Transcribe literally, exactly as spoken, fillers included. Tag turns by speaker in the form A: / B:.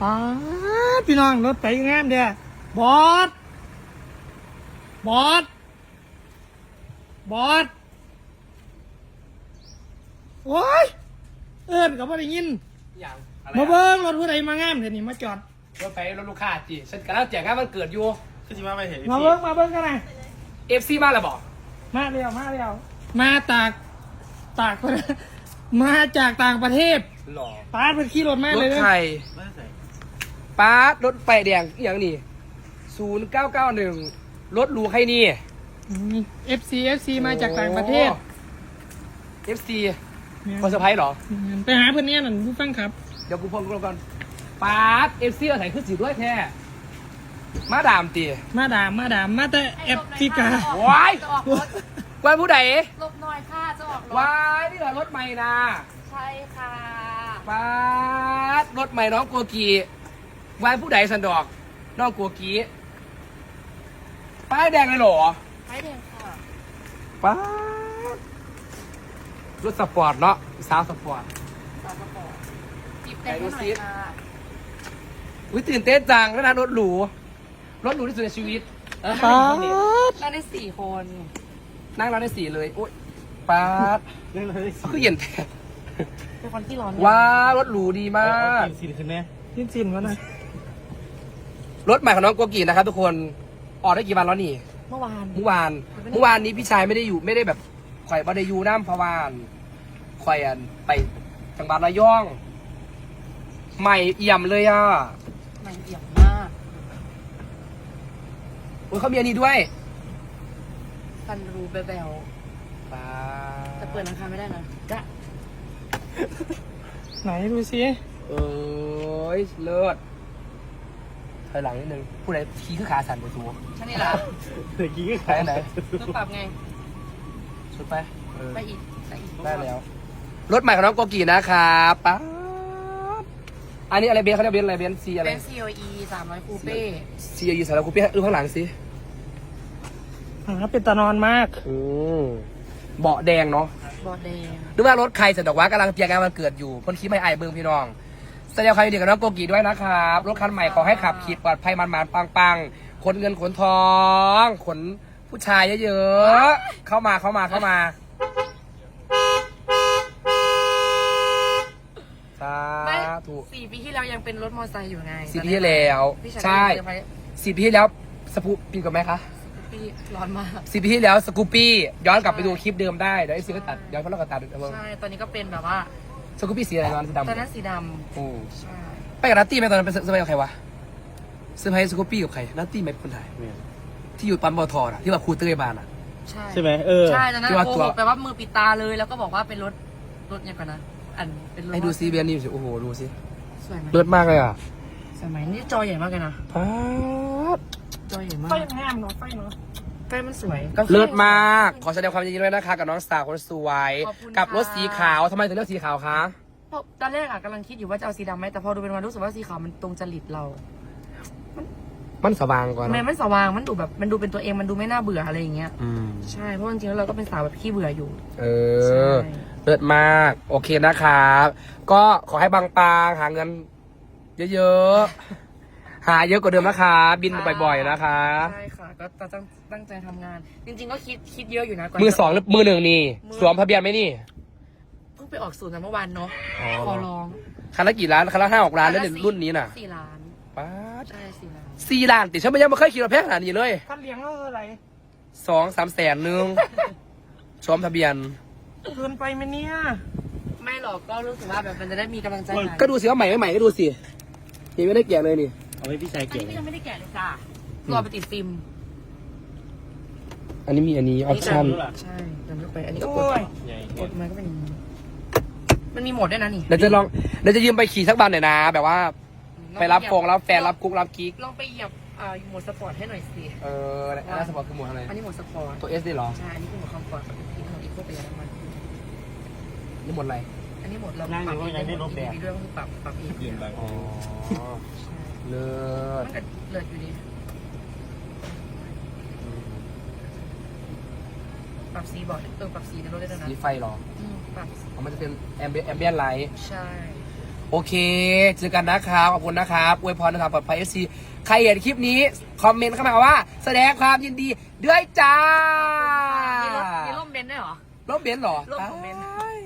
A: ป้าพี่น้องรถไปงามเด้อบอสบอสบอสโอ้ยเอิ้นก็บ่ได้ยิน
B: อย่างอะไร
A: มาเบิ่งรถผู้ใดมางามเดี๋ยวนี้มาจอด
B: รถไฟรถลูกค้าจีฉันกำลังแจกงานวันเกิดอยู่
C: คือที่มาไปเห็น
A: มาเบิ่งมาเบิ่งกันนะ
B: เอฟซีมาแล้วบอก
A: มาเร็วมาเร็วมาตากตากมาจากต่างประเทศ
B: หล่อ
A: ป้าเป็นขี่รถมาก
B: ร
A: เลย
B: ถ
A: นะ
B: ไทย
C: ไม่ใส่
B: ป้ารถไฟแดงอหย่างนี้ศูนย์เก้าเก้าหนึ่งรถหรูใครนี่
A: เอฟซีเอฟซีมาจากต่างประเทศ
B: เอฟซีคนเซอร์ไพรส์เหรอ
A: ไปหาเพื่อนเนี่ยนั่นผู้ฟังครับ
B: เดี๋ยวกูพงกูก่อนป้าเอฟซีเราใส่ขึ้นสีด้วยแท้มาดามตี
A: มาดามมาดามมาแต่แอฟริกา
B: ว้าย
D: จะออกรถ
B: วันผู้ใด
D: หลบหน่อยค่ะจะออกรถ
B: ว้ายนี่เหรอรถใหม่นะ
D: ใช่ค่ะ
B: ป้ารถใหม่น้องกัวกีวันผู้ใดสันดอกน้องกัวกีป้ายแดงเลยเหรอ
D: ไม่เด่นค่ะ
B: ป้าดรถสปอร์ตเนาะสาวสปอร์ต
D: สาวกระป๋องจีบเต็มให้หน่อยค่ะ
B: อุ้ยตื่นเต้นจังแล้วนะรถหรูรถหรูที่สุดในชีวิตเออ
A: ป้า
D: เราได้สี่คน
B: นั่งเราได้สี่เลยโอ๊ยป้าด
C: เล่นเลยสิ
B: คือเย็นแท้
D: เป็นคนที่ร้อน
B: ว้าวรถหรูดีมาก
C: สิขึ้นแน่
A: ยินสินวะนะ
B: รถใหม่ของน้องโกกีนะครับทุกคนออกได้กี่วันแล้วนี่
D: เมื่อวาน
B: เมื่อวานเมื่อวานนี้พี่ชายไม่ได้อยู่ไม่ได้แบบข่อยบาได้อยู่น้ำพะวานข่อยอันไปจังหวัดระยอง ใหม่เอี่ยมเลยอ่ะ
D: มันเอี่ยมมาก
B: โอ้ยเขามีอันนี้ด้วย
D: ฟันรูเบล
B: ป้า
D: ๆแต่เปิดราคาไม่ได้นะกะ
A: ไหนดูสิ
B: เอ้ยเลิศถอยหลังนิดนึงผู้ใดขี่ขึ้นขาสั่นไปทัว
D: ฉันนี่แหละ
C: เมื่อกี้ก็
B: ไปไหน
D: ต้องปรับไง
B: ชุดไปเออ
D: ไปอีกไปอีก
B: ได้แล้วรถใหม่ของน้องโกกีนะครับป้าบอันนี้อะไรเบนซ์เขาเรียกเบนซ์อะไรเบนซ์ซีอะไร
D: เป็น ซี โอ อี สามร้อยคูเป้
B: ซีอายูสารคูเป้ดูข้างหลังสิ
A: หาเป็นตานอนมาก
B: อืมเบาะแดงเนาะ
D: บอดแดง
B: นึกว่ารถใครเสร็จดอกว่ากำลังเตรียมงานวันเกิดอยู่คนขี่ไม่ไอายเบิ้งพี่น้องแสดงความยินดีกับน้องโกกีด้วยนะครับรถคันใหม่ขอให้ขับขี่ปลอดภัยมันมันปังปังๆขนเงินขนทองขนผู้ชายเยอะๆเข้ามาเข้ามาเข้ามาสา
D: ไม่
B: ธุ
D: สี่ปีที่แล้วยังเป็นรถมอเตอร์ไซค์อยู่ไง
B: สี่ปีที่แล้ว
D: พี่ชาย
B: ใช่
D: เซอร์ไพรส์
B: สี่ปีที่แล้วสกูปปีกับไหมคะ
D: ปีร้อนมาก
B: สี่ปีที่แล้วสกูปปี้ย้อนกลับไปดูคลิปเดิมได้เดี๋ยวไอ้ซีก็ตัดย้อนเพราะเราก็ตัดเดี๋ยว
D: ใช่ ตอนนี้ก็เป็นแบบว่า
B: สกูปปี้สีอะไรตอนนั้นสีดำ
D: ตอนนั้นสีด
B: โอ้
D: ำใช่
B: ไปกับนัตตี้ไหมตอนนั้นไปเซอร์ไพรส์กับใครวะเซอร์ไพรส์สกูปปี้กับใครนัตตี้ไหมคนไทยที่อยู่ปั๊มบอทอน่ะที่ว่าครูเต้ยบานอ่ะ
D: ใช่
C: ใช่ไหมเออ
D: ใช่ตอนนั้น
B: ที่ว่า
D: โก
B: ตัว
D: หกแปลว่ามือปิดตาเลยแล้วก็บอกว่าเป็นรถรถเนี่ยก่อนนะอันเป็นรถ
B: ให้ดูซีเบียนนี่สิโอ้โหดูสิ
D: สวยไหม
B: เลิศมากเลยอ่ะ
D: สวยไหมนี่จอใหญ่มากเลยนะ
B: ป๊าด
D: จอใหญ่มาก
A: ไฟงามเนาะไฟเนาะ
D: ใกล้มันสวย
B: เลิศมากขอแสดงความยินดีด้วยนะคะกับน้องสาวคนสวย
D: ขอบคุณ
B: กับรถ
D: ค่ะ
B: สีขาวทำไมถึงเลือกสีขาวคะ
D: เพราะตอนแรกอะกำลังคิดอยู่ว่าจะเอาสีดำไหมแต่พอดูเป็นวันรู้สึกว่าสีขาวมันตรงจริตเรา
B: มันสว่างกว่า
D: ทำไม
B: เนอะ
D: มันสว่างมันดูแบบมันดูเป็นตัวเองมันดูไม่น่าเบื่ออะไรอย่างเงี้ย
B: อืม
D: ใช่เพราะจริงๆแล้วเราก็เป็นสาวแบบขี้เบื่ออยู่
B: เอ
D: ใช่
B: อ เลิศมาก โอเคนะครับ ก็ขอให้บางปางหาเงิน เยอะๆ หาเยอะกว่าเดิมนะคะ บินบ่อยๆนะคะ
D: ใช่ค่ะก็ตั้งตั้งใจทำงาน จริง ๆ ก็คิดคิดเยอะอยู่นะก่อน
B: มือสองหรือมือหนึ่งนี่ สวมทะเบียนไหมนี่
D: เพิ่งไปออกศูนย์มาเมื่อวานเนาะ
B: อ๋อ
D: ขอร้อง
B: คันละกี่ล้าน คันละห้าหกล้านแล้ว
D: คั
B: เนี่ย
D: ละสี่
B: รุ่นนี้น่ะ
D: สี่ล้าน
B: ป๊าด
D: ใช่สี่ล้าน
B: สี่ล้านติฉันไม่ยังไม่เคยขี่รถแพงขนาดนี้เลย
A: คันเลี้ยงเราเท่าไหร่
B: สองสามแสนหนึง สวมทะเบียน
A: เกินไปไหมเนี่ย
D: ไม่หรอกก็รู้สึกว่าแบบมันจะได้มีกำลังใจหน่อย
B: ก็ดูสิว่าใหม่ไม่ใหม่ก็ดูสิยังไม่ได้แกะเลยนี่
C: เอาไว้พี่ชาย
D: อัน
C: เก่ง
D: นี้ก็ยังไม่ได้แกะเลยจ้ะรอไปติดฟิล์ม
B: อันนี้มีอันนี้ออปชั่น
D: ใช่จำไม่ไปอันนี้ก็ก
A: โอ้
D: ด
A: ย
C: ใหญ่
D: กดมันก็เป็นอย่างนี้มันมีโหมดด้วยนะนี่
B: เดี๋ยวจะลองเดี๋ยวจะยืมไปขี่สักบันหน่อยนะ แบบว่าไปรับฟงรับแฟนรับกุ๊กรับกิ๊ก
D: ลองไปเหยียบอ่าโหมดสปอร์ตให้หน่อยสิ
B: เอออันนั้นสปอร์ตคือหมวดอะไร
D: อันนี้โหมดสปอร์ต
B: ตัวเอสได้หรอ
D: ใช่อันนี้คือโหมดคอมฟอร์ตอีกโหมดอีโคประหยัดน้ำมัน
B: นี่หมดอะไร
D: อันนี้โหมดเราปรับเองได้โหมดอีวีด้วยก็คือปรับปรับเอง
C: เปลี่ยนไป
B: อ๋อ เลิศ
D: มันก็เลิศอยู่ดีปรับสีบอร์ดเออปรับสีในรถได้ด้วยนะ
B: สีไฟหรอ
D: อืมปรับ
B: อ๋อมันจะเป็นแอมเบียนแอมเบียนไลท์
D: ใช่
B: โอเคเจอกันนะครับขอบคุณนะครับอวยพรนะครับปลอดภัยเอฟซีใครเห็นคลิปนี้คอมเมนต์เข้ามาว่า แสดงความยินดีด้วยจ้า
D: มีร่มมีร่มเบนซ์ด้วยเหรอ
B: รถเบนซ์เหรอ
D: รถของเบนซ์
B: อ้าย